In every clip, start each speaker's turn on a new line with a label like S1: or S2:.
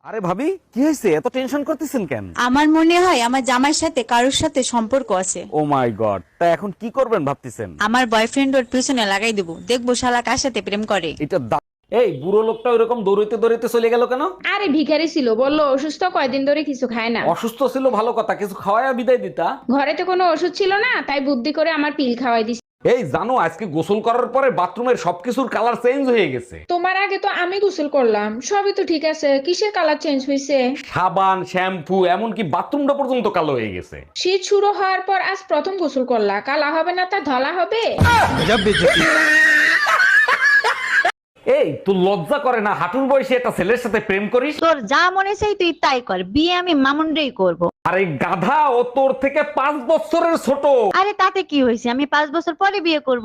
S1: আরে ভাবি, কি হয়েছে? এত টেনশন করতেছেন কেন?
S2: আমার মনে হয় আমার জামাইয়ের সাথে কারোর সাথে সম্পর্ক আছে।
S1: ও মাই গড, তা এখন কি করবেন ভাবতেছেন?
S2: আমার বয়ফ্রেন্ড ওর পিছনে লাগাই দেবো, দেখবো শালা কার সাথে প্রেম করে।
S1: এটা এই বুড়ো লোকটা ওইরকম দৌড়াইতে দৌড়াইতে চলে গেল কেন?
S3: আরে ভিখারি ছিল, বললো অসুস্থ, কয়দিন ধরে কিছু খায় না।
S1: অসুস্থ ছিল ভালো কথা, কিছু খাওয়ায়া বিদায় দিতা।
S3: ঘরে তো কোনো ওষুধ ছিল না, তাই বুদ্ধি করে আমার পিল খাওয়াই দিছি।
S1: এই জানো, আজকে গোসল করার পরে বাথরুমের সবকিছুর কালার চেঞ্জ হয়ে গেছে।
S3: তোমার আগে তো আমি গোসল করলাম, সবই তো ঠিক আছে, কিসের কালার চেঞ্জ হয়েছে?
S1: সাবান, শ্যাম্পু, এমনকি বাথরুমটা পর্যন্ত কালো হয়ে গেছে।
S3: শীত শুরু হওয়ার পর আজ প্রথম গোসল করলা, কালা হবে না তা ধলা হবে?
S1: এই তোর লজ্জা করে না হাঁটুর বয়সে একটা ছেলের সাথে প্রেম করিস?
S4: তোর যা মনে চাই তুই তাই কর, বিয়ে আমি মামুনরেই করব।
S1: আরে গাধা, ও তোর থেকে 5 বছরের ছোট।
S4: আরে তাতে কি হয়েছে, আমি 5 বছর পরে বিয়ে করব।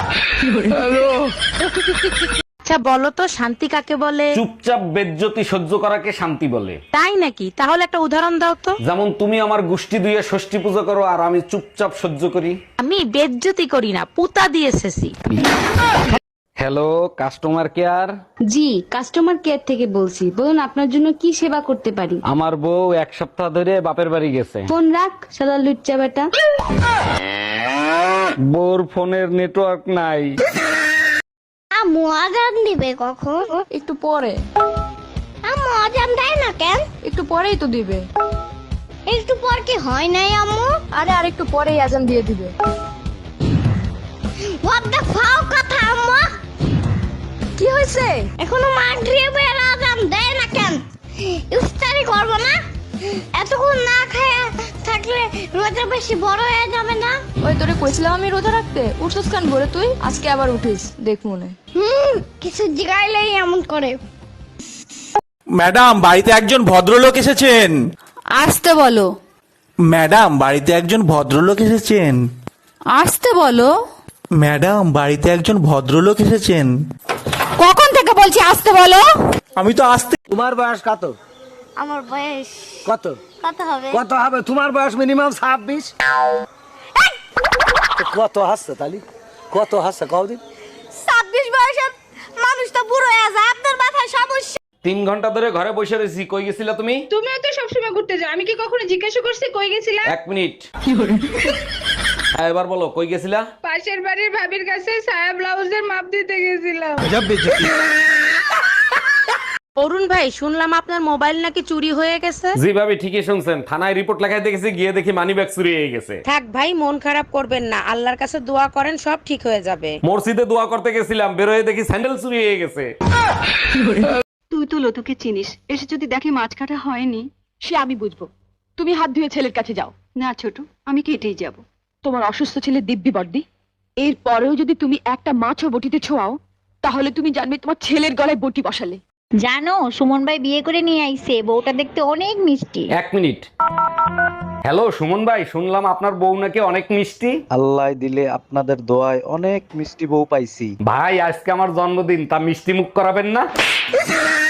S4: আচ্ছা বলো তো, শান্তি কাকে বলে?
S1: চুপচাপ বেজ্জতি সহ্য করাকে শান্তি বলে।
S4: তাই নাকি? তাহলে একটা উদাহরণ দাও তো।
S1: যেমন তুমি আমার গোষ্ঠী দুইয়ে ষষ্ঠী পূজা করো আর আমি চুপচাপ সহ্য করি।
S4: আমি বেজ্জতি করি না, পুতা দিয়ে এসেছি।
S1: Hello, customer care.
S5: জি, কাস্টমার কেয়ার থেকে বলছি, বলুন আপনার জন্য কি সেবা করতে পারি।
S1: আমার বউ 1 সপ্তাহ ধরে বাপের বাড়ি গেছে।
S5: ফোন রাখ, শালা লুচ্চা বেটা।
S1: বউর ফোনের নেটওয়ার্ক নাই।
S6: আম্মু আজান দিবে কখন?
S7: একটু পরে।
S6: আম্মু আজান দেয় না কেন?
S7: একটু পরেই তো দিবে।
S6: একটু পর কি হয় নাই আম্মু?
S7: আরে আর একটু পরেই আজান দিয়ে দিবে।
S6: হোয়াট দ্য ফাও কথা আম্মু?
S7: কি হয়েছে?
S6: এখনো মাগরিবের আজান দেয় না কেন? ইফতারি করব না? এতক্ষণ না খায়া থাকলে রোজা বেশি বড় হয়ে যাবে না?
S7: ওই তোরে কইছিলাম আমি রোজা রাখতে, উঠছস কান ভরে তুই? আজকে আবার উঠিস, দেখ মনে।
S6: কিছু জিগাইলেই এমন করে।
S8: ম্যাডাম, বাড়িতে একজন ভদ্রলোক এসেছেন।
S2: আসতে বলো।
S8: ম্যাডাম, বাড়িতে একজন ভদ্রলোক এসেছেন।
S2: আসতে বলো।
S8: ম্যাডাম, বাড়িতে একজন ভদ্রলোক এসেছেন।
S2: কখন থেকে বলছি আসতে বলো?
S8: আমি তো আসতে।
S9: তোমার বয়স কত?
S6: আমার বয়স
S9: কত
S6: কত হবে?
S9: কত হবে? তোমার বয়স মিনিমাম 26। কত হাসছে তালি? কত হাসছে কদিন?
S6: 26 বয়সের মানুষ তো বুড়ো হয়ে যায়, আপনার মাথায় সমস্যা।
S1: 3 ঘন্টা ধরে ঘরে বসে রয়েছি, কই গেছিলা তুমি?
S3: তুমিও তো সবসময় ঘুরতে যাও, আমি কি কখনো জিজ্ঞাসা করছি কই গেছিলা?
S1: 1 মিনিট। হ্যাঁ, এবার বলো কই গেছিলা?
S3: পাশের বাড়ির ভাবির কাছে সায়া ব্লাউজের মাপ দিতে গেছিলাম।
S4: অরুণ ভাই, শুনলাম আপনার মোবাইল নাকি চুরি হয়ে গেছে।
S1: জি ভাবি, ঠিকই শুনছেন। থানায় রিপোর্ট লেখাই দেখেছি, গিয়ে দেখি মানিব্যাগ চুরি হয়ে গেছে।
S4: থাক ভাই, মন খারাপ করবেন না, আল্লাহর কাছে দোয়া করেন, সব ঠিক হয়ে যাবে।
S1: মসজিদে দোয়া করতে গেছিলাম, বেরোয় দেখি স্যান্ডেল চুরি হয়ে গেছে।
S5: তুই তো লতুকে চিনিস, এসে যদি দেখি মাছ কাটা হয়নি, সে আমি বুঝবো। তুমি হাত ধুয়ে ছেলের কাছে যাও। না ছোট, আমি কেটেই যাব। তোমার অসুস্থ ছেলে দিব্যি বর্দি, এর পরেও যদি তুমি একটা মাছও বটিতে ছোঁয়াও, তাহলে তুমি জানবে তোমার ছেলের গলায় বটি বসালে।
S4: জানো, সুমন ভাই বিয়ে করে নিয়ে আইছে, বউটা দেখতে অনেক মিষ্টি।
S1: 1 মিনিট। হ্যালো সুমন ভাই, শুনলাম আপনার বউ নাকি অনেক মিষ্টি।
S10: আল্লাহ দিলে আপনাদের দোয়ায় অনেক মিষ্টি বউ পাইছি।
S1: ভাই, আজকে আমার জন্মদিন, তা মিষ্টি মুখ করাবেন না?